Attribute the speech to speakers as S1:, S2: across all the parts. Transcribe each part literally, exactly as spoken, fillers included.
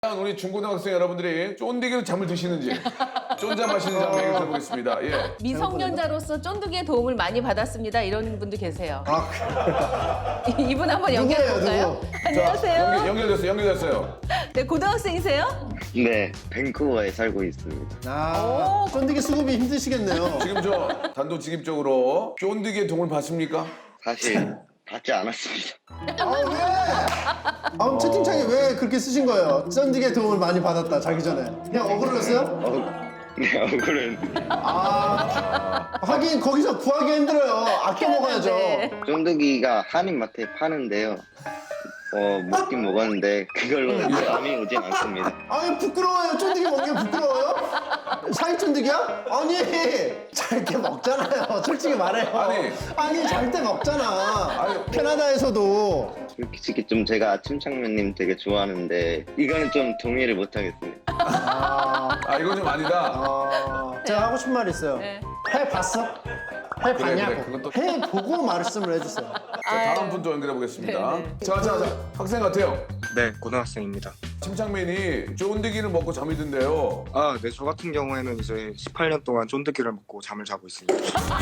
S1: 우리 중고등학생 여러분들이 쫀디기로 잠을 드시는지 쫀잠 하시는지 한번 얘기 들어보겠습니다. 예.
S2: 미성년자로서 쫀득이의 도움을 많이 받았습니다. 이런 분도 계세요.
S3: 아,
S2: 이분 한번 연결해 볼까요?
S3: 누구예요, 누구?
S2: 안녕하세요.
S1: 연결, 연결됐어요. 연결됐어요.
S2: 네, 고등학생이세요?
S4: 네, 밴쿠버에 살고 있습니다.
S3: 아, 쫀디기 수급이 힘드시겠네요.
S1: 지금 저 단도직입적으로 쫀디기의 도움을 받습니까?
S4: 사실 받지 않았습니다.
S3: 아, 왜? 아, 그럼 채팅창에 왜 그렇게 쓰신 거예요? 쫀디기의 도움을 많이 받았다, 자기 전에. 그냥 억울했어요?
S4: 어, 네, 얼굴은
S3: 아, 하긴 거기서 구하기 힘들어요. 아껴 먹어야죠.
S2: 네.
S4: 쫀득이가 한인마트에 파는데요. 어, 먹긴 먹었는데 그걸로 잠이 오진 않습니다.
S3: 아니, 부끄러워요. 쫀디기 먹는 게 부끄러워요? 사이 쫀디기야? 아니, 잘 때 먹잖아요. 솔직히 말해요.
S1: 아니.
S3: 아니, 잘 때 먹잖아. 캐나다에서도.
S4: 솔직히 좀 제가 아침창면님 되게 좋아하는데 이거는 좀 동의를 못 하겠습니다.
S3: 아,
S1: 아 이건 좀 아니다.
S3: 아, 제가 하고 싶은 말 있어요.
S2: 네.
S3: 해봤어? 해봤냐고.
S1: 그래, 그건 또-
S3: 해보고 말씀을 해주세요.
S1: 자, 다음 분 또 연결해 보겠습니다.
S2: 네, 네.
S1: 자, 자, 자, 학생 같아요.
S5: 네, 고등학생입니다.
S1: 침착맨이 쫀디기를 먹고 잠이 든대요.
S5: 아, 네, 저 같은 경우에는 이제 십팔 년 동안 쫀득이를 먹고 잠을 자고 있습니다.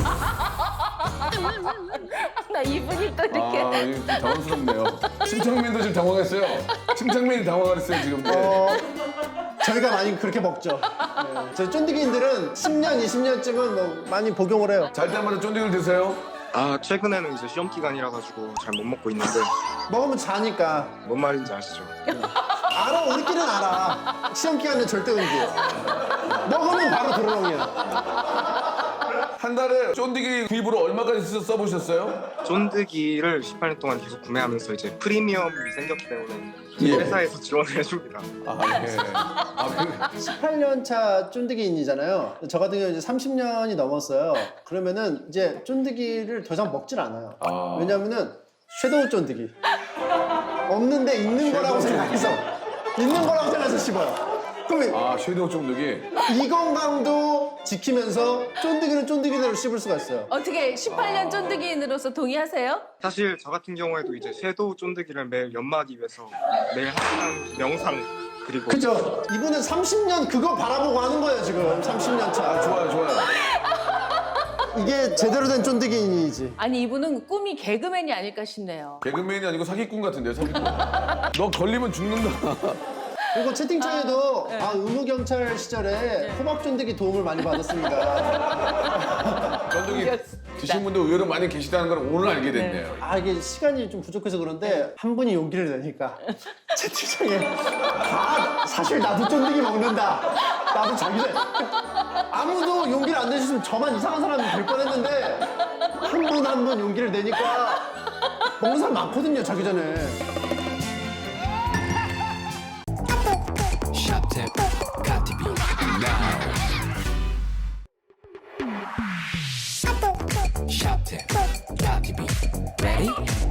S2: 나 이분이 또 이렇게.
S1: 아, 이거 좀 당황스럽네요. 침착맨도 지금 당황했어요. 침착맨이 당황했어요 지금. 네.
S3: 어, 저희가 많이 그렇게 먹죠. 네. 저희 쫀디기인들은 십 년, 이십 년쯤은 뭐 많이 복용을 해요.
S1: 잘 때마다 쫀디기를 드세요?
S5: 아, 최근에는 이제 시험 기간이라 가지고 잘 못 먹고 있는데
S3: 먹으면 자니까.
S5: 뭔 말인지 아시죠?
S3: 알아, 우리끼리는 알아. 시험 기간에 절대 음기예요. 먹으면 바로 도로롱이야.
S1: 한 달에 쫀디기 구입으로 얼마까지 써- 써보셨어요?
S5: 쫀득이를 십팔 년 동안 계속 구매하면서 이제 프리미엄이 생겼기 때문에 이
S1: 예.
S5: 회사에서 지원을 해줍니다.
S1: 아, 예. 아, 그,
S3: 십팔 년 차 쫀디기인이잖아요. 저 같은 경우 이제 삼십 년이 넘었어요. 그러면은 이제 쫀디기를 더 이상 먹질 않아요.
S1: 아.
S3: 왜냐면은 섀도우 쫀디기. 없는데 있는 거라고
S1: 섀도우
S3: 생각해서 있는 거라고 생각해서 씹어요. 그러면
S1: 아, 섀도우 쫀디기.
S3: 이 건강도 지키면서 쫀디기는 쫀디기대로 씹을 수가 있어요.
S2: 어떻게 십팔 년 쫀득이인으로서 동의하세요?
S5: 사실 저 같은 경우에도 이제 섀도우 쫀득이를 매일 연마하기 위해서 매일 한 시간 명상 그리고
S3: 그죠? 이분은 삼십 년 그거 바라보고 하는 거예요, 지금. 삼십 년
S1: 아,
S3: 차.
S1: 좋아요, 좋아요.
S3: 이게 제대로 된 쫀디기인이지.
S2: 아니 이분은 꿈이 개그맨이 아닐까 싶네요.
S1: 개그맨이 아니고 사기꾼 같은데, 사기꾼. 너 걸리면 죽는다.
S3: 그리고 채팅창에도
S2: 네.
S3: 아, 의무경찰 시절에 호박 쫀디기 도움을 많이 받았습니다.
S1: 쫀디기 드신 분도 의외로 많이 계시다는 걸 오늘 알게 됐네요.
S3: 아, 이게 시간이 좀 부족해서 그런데 한 분이 용기를 내니까 채팅창에 다 사실 나도 쫀디기 먹는다. 나도 자기 전 아무도 용기를 안 내주시면 저만 이상한 사람이 될 뻔했는데 한 분 한 분 용기를 내니까 먹는 사람 많거든요, 자기 전에.
S6: Shop got to be now. Shop got to be ready.